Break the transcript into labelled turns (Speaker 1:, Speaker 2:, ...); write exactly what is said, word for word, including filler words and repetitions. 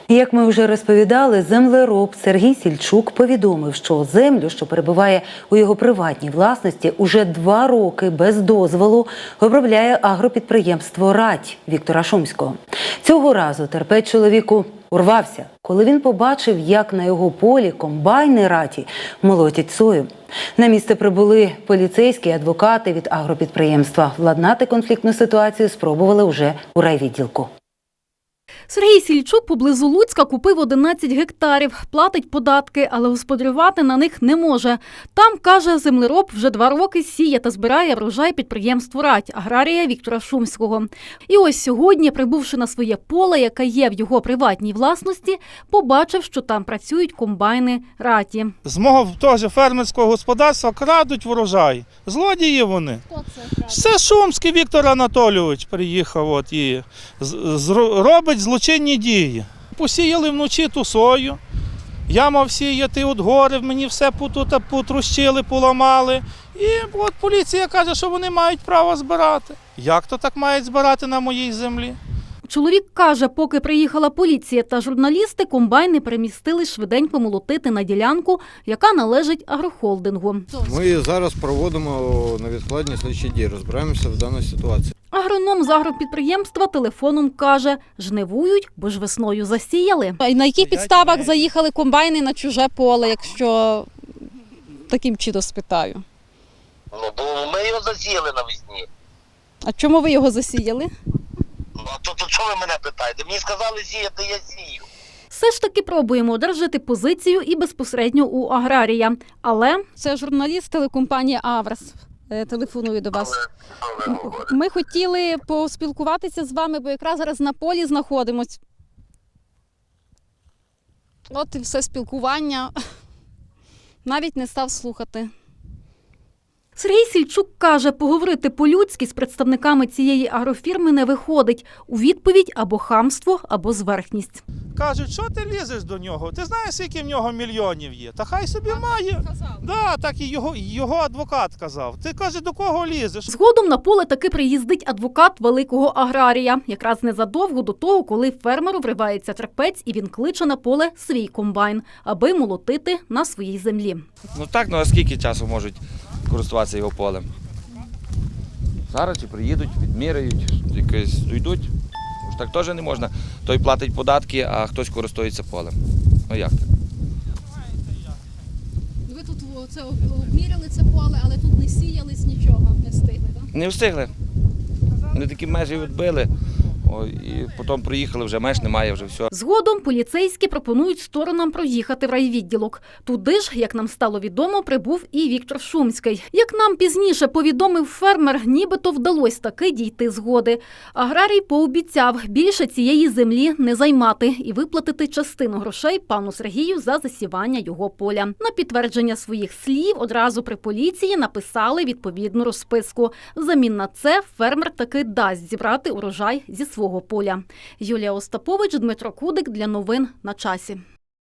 Speaker 1: Як ми вже розповідали, землероб Сергій Сільчук повідомив, що землю, що перебуває у його приватній власності, уже два роки без дозволу обробляє агропідприємство «Рать» Віктора Шумського. Цього разу терпець чоловіку урвався, коли він побачив, як на його полі комбайни «Раті» молотять сою. На місце прибули поліцейські адвокати від агропідприємства. Владнати конфліктну ситуацію спробували уже у райвідділку.
Speaker 2: Сергій Сільчук поблизу Луцька купив одинадцять гектарів, платить податки, але господарювати на них не може. Там, каже, землероб вже два роки сіє та збирає врожай підприємству «Рать» аграрія Віктора Шумського. І ось сьогодні, прибувши на своє поле, яке є в його приватній власності, побачив, що там працюють комбайни «Раті».
Speaker 3: З мого теж фермерського господарства крадуть врожай. Злодії вони.
Speaker 2: Хто це?
Speaker 3: Це Шумський Віктор Анатолійович приїхав от, і з, з, робить злочинні дії. Посіяли вночі ту сою, я мав сіяти от гори, мені все тут потрущили, поламали. І от поліція каже, що вони мають право збирати. Як то так мають збирати на моїй землі?
Speaker 2: Чоловік каже, поки приїхала поліція та журналісти, комбайни перемістили швиденько молотити на ділянку, яка належить агрохолдингу.
Speaker 4: Ми зараз проводимо невідкладні слідчі дії, розбираємося в даній ситуації.
Speaker 2: Агроном з агропідприємства телефоном каже, жнивують, бо ж весною засіяли.
Speaker 5: А на яких підставах заїхали комбайни на чуже поле, якщо таким чином спитаю?
Speaker 6: Ну, бо ми його засіяли навесні.
Speaker 5: А чому ви його засіяли?
Speaker 6: Ну, а то, то чого ви мене питаєте? Мені сказали сіяти, я сію.
Speaker 2: Все ж таки пробуємо одержати позицію і безпосередньо у аграрія. Але
Speaker 5: Це журналіст телекомпанії «Аврес». Е, Телефоную до вас.
Speaker 6: Але, але говорите.
Speaker 5: Ми хотіли поспілкуватися з вами, бо якраз зараз на полі знаходимось. От і все спілкування. Навіть не став слухати.
Speaker 2: Сергій Сільчук каже, поговорити по-людськи з представниками цієї агрофірми не виходить. У відповідь або хамство, або зверхність.
Speaker 3: Кажуть, що ти лізеш до нього? Ти знаєш, скільки в нього мільйонів є? Та хай собі має. Да, так і його, його адвокат казав. Ти, каже, до кого лізеш?
Speaker 2: Згодом на поле таки приїздить адвокат великого аграрія. Якраз незадовго до того, коли фермеру вривається терпець і він кличе на поле свій комбайн, аби молотити на своїй землі.
Speaker 7: Ну так, ну а скільки часу можуть користуватися його полем? Зараз чи приїдуть, відміряють, якось дійдуть. Ж так теж не можна. Той платить податки, а хтось користується полем. Ну як так?
Speaker 5: Ви тут це обміряли це поле, але тут не сіялись нічого, не встигли, так?
Speaker 7: Не встигли. Вони такі межі відбили, о, і потім приїхали, вже меж немає, вже все.
Speaker 2: Згодом поліцейські пропонують сторонам проїхати в райвідділок. Туди ж, як нам стало відомо, прибув і Віктор Шумський. Як нам пізніше повідомив фермер, нібито вдалося таки дійти згоди. Аграрій пообіцяв більше цієї землі не займати і виплатити частину грошей пану Сергію за засівання його поля. На підтвердження своїх слів одразу при поліції написали відповідну розписку. Взамін на це фермер таки дасть зібрати урожай зі свого поля. Юлія Остапович, Дмитро Кудик для новин на часі.